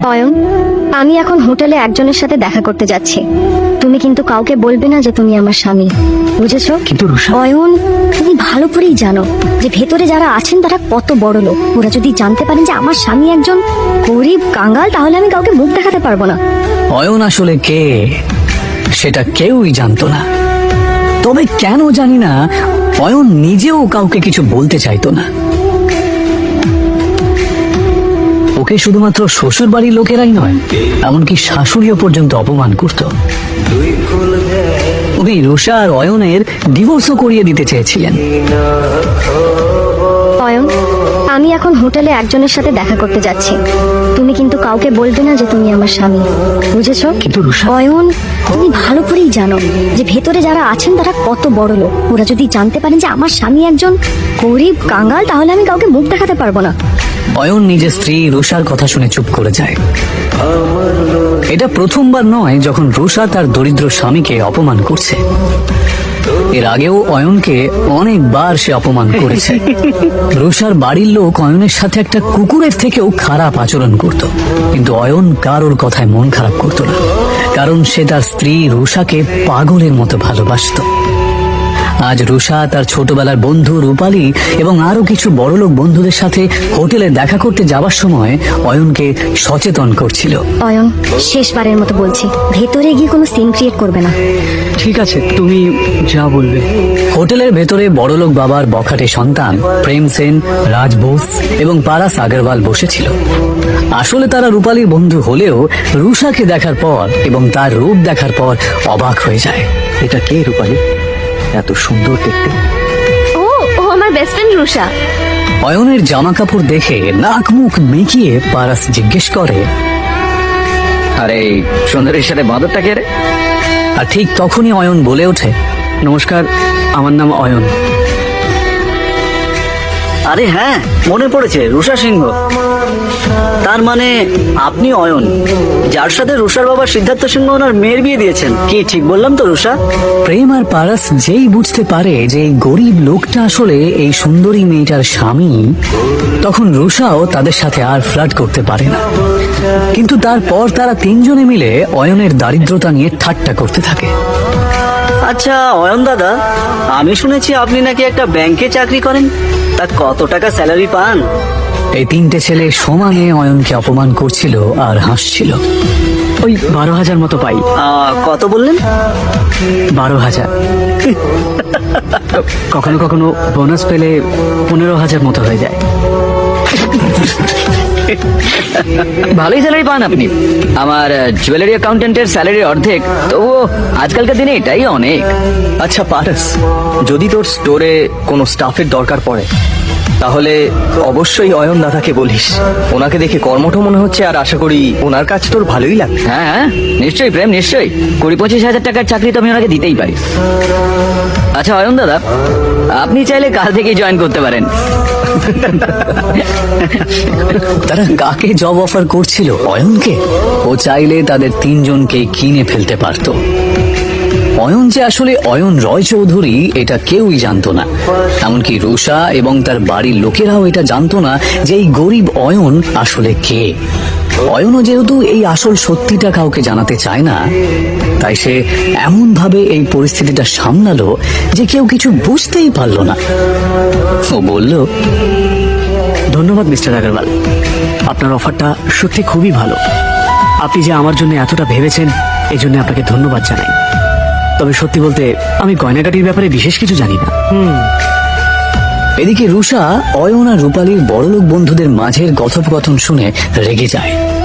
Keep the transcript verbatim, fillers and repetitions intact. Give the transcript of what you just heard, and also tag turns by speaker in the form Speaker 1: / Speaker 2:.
Speaker 1: অয়ন, আমি এখন হোটেলে একজনের সাথে দেখা করতে যাচ্ছি। তুমি কিন্তু কাউকে বলবে না যে তুমি আমার স্বামী, বুঝেছো?
Speaker 2: কিন্তু রুষা,
Speaker 1: অয়ন, তুমি ভালো করেই জানো যে ভেতরে যারা আছেন তারা কত বড় লোক। ওরা যদি জানতে পারেন যে আমার স্বামী একজন গরিব কাঙ্গাল, তাহলে আমি কাউকে মুখ দেখাতে পারবো না।
Speaker 2: অয়ন আসলে কে সেটা কেউই জানতো না। তবে কেন জানি না, অয়ন নিজেও কাউকে কিছু বলতে চাইতো না। ওকে শুধুমাত্র শ্বশুর বাড়ির লোকেরাই নয়, এমনকি শাশুড়িও পর্যন্ত অপমান করত। উনি রুষা আর অয়নের ডিভোর্সও করিয়ে দিতে চেয়েছিলেন।
Speaker 1: অয়ন, আমি এখন হোটেলে একজনের সাথে দেখা করতে যাচ্ছি। তুমি কিন্তু কাউকে বলবে না যে তুমি আমার স্বামী, বুঝেছো?
Speaker 2: কিন্তু রুষা,
Speaker 1: অয়ন, তুমি ভালো করেই জানো যে ভেতরে যারা আছেন তারা কত বড় লোক। ওরা যদি জানতে পারেন যে আমার স্বামী একজন গরিব কাঙ্গাল, তাহলে আমি কাউকে মুখ দেখাতে পারবো না।
Speaker 2: অয়ন নিজের স্ত্রী রুষার কথা শুনে চুপ করে যায়। এটা প্রথমবার নয় যখন রুষা তার দরিদ্র স্বামীকে অপমান করছে। এর আগেও অয়নকে অনেকবার সে অপমান করেছে। রুষার বাড়ির লোক অয়নের সাথে একটা কুকুরের থেকেও খারাপ আচরণ করত, কিন্তু অয়ন কারোর কথায় মন খারাপ করত না, কারণ সে তার স্ত্রী রুষাকে পাগলের মতো ভালোবাসত। আজ রুষা তার ছোটবেলার বন্ধু রূপালী এবং আরো কিছু বড়লোক বন্ধুদের সাথে হোটেলে দেখা করতে যাবার সময় অয়নকে সচেতন করছিল।
Speaker 1: অয়ন, শেষবারের মতো বলছি, ভেতরে গিয়ে কোনো সিন ক্রিয়েট করবে না।
Speaker 3: ঠিক আছে, তুমি যা বলবে।
Speaker 2: হোটেলের ভেতরে বড়লোক বাবার বখাটে সন্তান প্রেম সেন, রাজ বোস এবং পারাস আগরওয়াল বসেছিল। আসলে তারা রূপালীর বন্ধু হলেও রুষাকে দেখার পর এবং তার রূপ দেখার পর অবাক হয়ে যায়।
Speaker 3: এটা কে রূপালী? এত সুন্দর দেখতে।
Speaker 1: ও ও আমার বেস্ট ফ্রেন্ড রুষা।
Speaker 2: অয়নের জামা কাপড় দেখে নাক মুখ মেকিয়ে পারাস জিজ্ঞেস করে,
Speaker 3: আরে সুন্দরীর সাথে বাঁদরটা কে রে?
Speaker 2: আর ঠিক তখনই অয়ন বলে ওঠে,
Speaker 3: নমস্কার, আমার নাম অয়ন।
Speaker 4: আরে হ্যাঁ, মনে পড়েছে, রুষা সিংহ। তার মানে আপনি অয়ন, যার সাথে রুষার বাবা সিদ্ধার্থ সিংহ ওনার মেয়ের বিয়ে দিয়েছেন। কি ঠিক বললাম তো রুষা?
Speaker 2: প্রেম আর পারাস যেই বুঝতে পারে যে এই গরিব লোকটা আসলে এই সুন্দরী মেয়েটার স্বামী, তখন রুষাও তাদের সাথে আর ফ্লার্ট করতে পারে না। কিন্তু তারপর তারা তিনজনে মিলে অয়নের দারিদ্রতা নিয়ে ঠাট্টা করতে থাকে।
Speaker 4: আচ্ছা অয়ন দাদা, আমি শুনেছি আপনি নাকি একটা ব্যাংকে চাকরি করেন। তা কত টাকা স্যালারি পান?
Speaker 2: এই তিনটে ছেলে সমানে অয়নকে অপমান করছিল আর হাসছিল।
Speaker 3: ওই বারো হাজার মতো পাই।
Speaker 4: আহ, কত বললেন?
Speaker 3: বারো হাজার। কখনো কখনো বোনাস পেলে পনেরো হাজার মতো হয়ে যায়। ভালোই স্যালারি পান আপনি। আমার জুয়েলারি অ্যাকাউন্টেন্টের স্যালারি অর্ধেক, তবুও আজকালকার দিনে এটাই অনেক।
Speaker 5: আচ্ছা পারস, যদি তোর স্টোরে কোনো স্টাফের দরকার পড়ে তাহলে অবশ্যই অয়ন দাদাকে বলিস। ওনাকে দেখে কর্মঠ মনে হচ্ছে, আর আশা করি ওনার কাজ তোর ভালোই লাগবে।
Speaker 3: হ্যাঁ হ্যাঁ, নিশ্চয়ই প্রেম, নিশ্চয়ই। কুড়ি পঁচিশ হাজার টাকার চাকরি তো আমি ওনাকে দিতেই পারি। আচ্ছা অয়ন দাদা, আপনি চাইলে কাল থেকেই জয়েন করতে পারেন।
Speaker 2: তারা কাকে জব অফার করছিল? অয়নকে। ও চাইলে তাদের তিনজনকে কিনে ফেলতে পারত। অয়ন যে আসলে অয়ন রয় চৌধুরী এটা কেউই জানতো না, এমনকি রুষা এবং তার বাড়ির লোকেরাও এটা জানতো না যে এই গরিব অয়ন আসলে কে। অয়নও যেহেতু এই আসল সত্যিটা কাউকে জানাতে চায় না, তাই সে এমন ভাবে এই পরিস্থিতিটা সামলালো যে কেউ কিছু বুঝতেই পারল না। ও বলল,
Speaker 3: ধন্যবাদ মিস্টার আগরওয়াল, আপনার অফারটা সত্যি খুবই ভালো। আপনি যে আমার জন্য এতটা ভেবেছেন, এই জন্য আপনাকে ধন্যবাদ জানাই। তবে সত্যি বলতে আমি গয়নাগাটির ব্যাপারে বিশেষ কিছু জানি না।
Speaker 2: এদিকে রুষা অয়ন আর রূপালীর বড়লোক বন্ধুদের মাঝের কথোপকথন শুনে রেগে যায়।